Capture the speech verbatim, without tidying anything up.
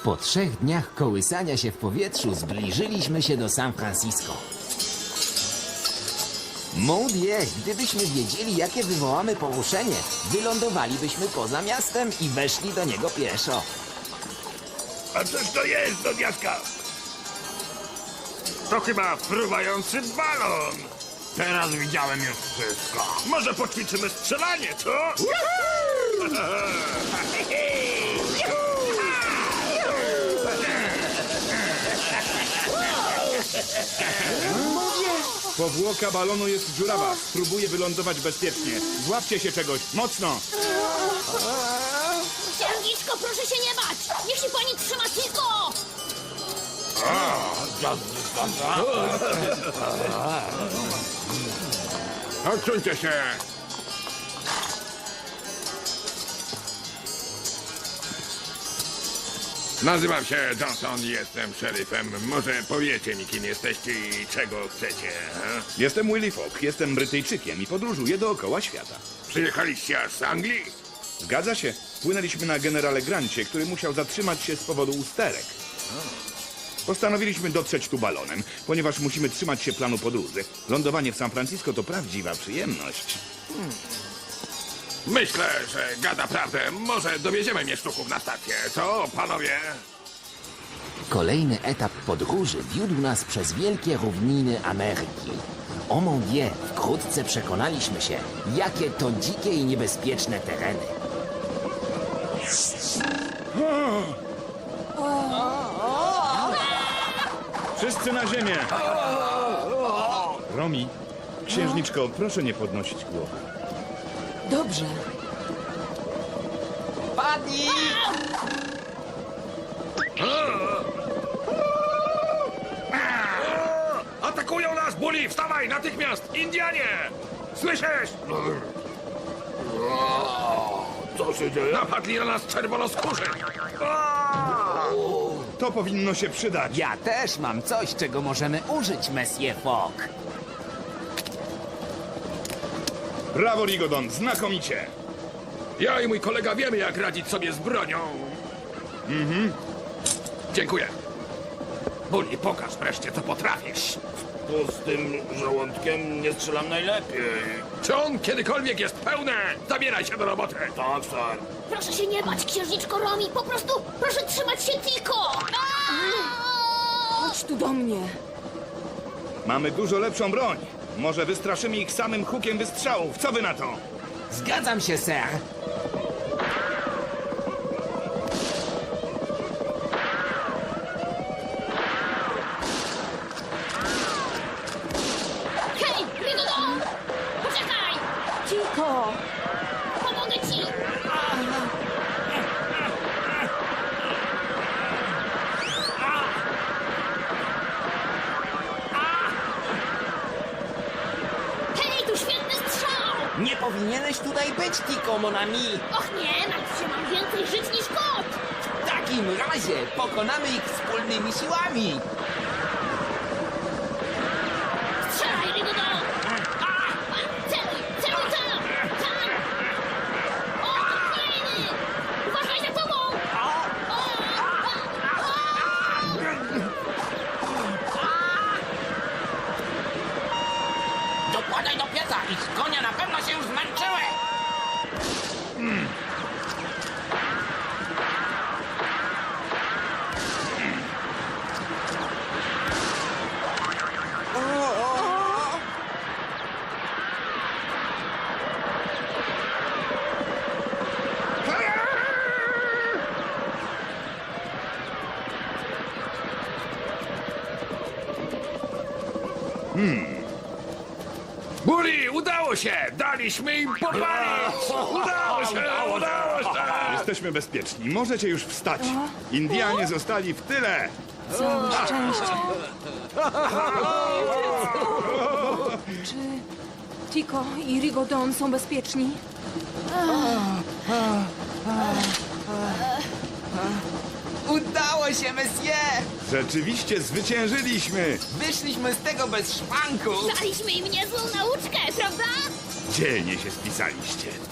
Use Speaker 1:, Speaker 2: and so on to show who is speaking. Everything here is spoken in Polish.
Speaker 1: Po trzech dniach kołysania się w powietrzu zbliżyliśmy się do San Francisco. Mon Dieu, gdybyśmy wiedzieli, jakie wywołamy poruszenie, wylądowalibyśmy poza miastem i weszli do niego pieszo.
Speaker 2: A cóż to jest, do diaska? To chyba fruwający balon. Teraz widziałem już wszystko. Może poćwiczymy strzelanie, co?
Speaker 3: Powłoka balonu jest dziurawa. Spróbuję wylądować bezpiecznie. Złapcie się czegoś. Mocno.
Speaker 4: Księżniczko, proszę się nie bać! Niech się pani trzyma tylko!
Speaker 2: Odsuńcie się! Nazywam się Johnson i jestem szeryfem. Może powiecie mi, kim jesteście i czego chcecie, he?
Speaker 3: Jestem Willy Fogg. Jestem Brytyjczykiem i podróżuję dookoła świata.
Speaker 2: Przyjechaliście aż z Anglii?
Speaker 3: Zgadza się. Płynęliśmy na generale Grancie, który musiał zatrzymać się z powodu usterek. Postanowiliśmy dotrzeć tu balonem, ponieważ musimy trzymać się planu podróży. Lądowanie w San Francisco to prawdziwa przyjemność.
Speaker 2: Myślę, że gada prawdę. Może dowieziemy mieszczuchów na stację, co, panowie?
Speaker 1: Kolejny etap podróży wiódł nas przez wielkie równiny Ameryki. O mon Dieu, wkrótce przekonaliśmy się, jakie to dzikie i niebezpieczne tereny.
Speaker 3: Wszyscy na ziemię! Romi, księżniczko, proszę nie podnosić głowy.
Speaker 5: Dobrze.
Speaker 1: Padnij!
Speaker 2: Atakują nas, Bully! Wstawaj, natychmiast! Indianie! Słyszysz? Co się dzieje? Napadli na nas czerwonoskórzy!
Speaker 3: To powinno się przydać.
Speaker 1: Ja też mam coś, czego możemy użyć, Monsieur Fogg.
Speaker 3: Brawo, Rigodon, znakomicie.
Speaker 2: Ja i mój kolega wiemy, jak radzić sobie z bronią. Mhm. Dziękuję. Bully, pokaż wreszcie, co potrafisz.
Speaker 6: To z tym żołądkiem nie strzelam najlepiej.
Speaker 2: Czy on kiedykolwiek jest pełne? Zabieraj się do roboty.
Speaker 6: Tak, sir.
Speaker 4: Proszę się nie bać, księżniczko Romi! Po prostu proszę trzymać się tylko!
Speaker 5: Chodź tu do mnie.
Speaker 3: Mamy dużo lepszą broń. Może wystraszymy ich samym hukiem wystrzałów. Co wy na to?
Speaker 1: Zgadzam się, sir.
Speaker 4: Hej, Rigodon! Poczekaj!
Speaker 5: Cicho.
Speaker 4: Pomogę ci! Hej, tu świetny strzał!
Speaker 1: Nie powinieneś tutaj być, Tico, mon ami.
Speaker 4: Och nie, martw się, mam więcej żyć niż kot!
Speaker 1: W takim razie pokonamy ich wspólnymi siłami.
Speaker 4: Strzelaj, Rigodon! Celuj, celuj tam! Tam! O, kolejny! Uważaj za tobą! O, o,
Speaker 7: Dokładaj do pieca, ich konie na pewno się już zmęczyły!
Speaker 2: Bully, udało się! Daliśmy im popalić! Udało się! Udało się!
Speaker 3: Jesteśmy bezpieczni. Możecie już wstać. Indianie zostali w tyle.
Speaker 5: Całe szczęście. Czy Tico i Rigodon są bezpieczni?
Speaker 1: Udało się, Monsieur!
Speaker 3: Rzeczywiście zwyciężyliśmy.
Speaker 1: Wyszliśmy z tego bez szwanku.
Speaker 4: Daliśmy im niezłą nauczkę, prawda?
Speaker 3: Dzielnie się spisaliście.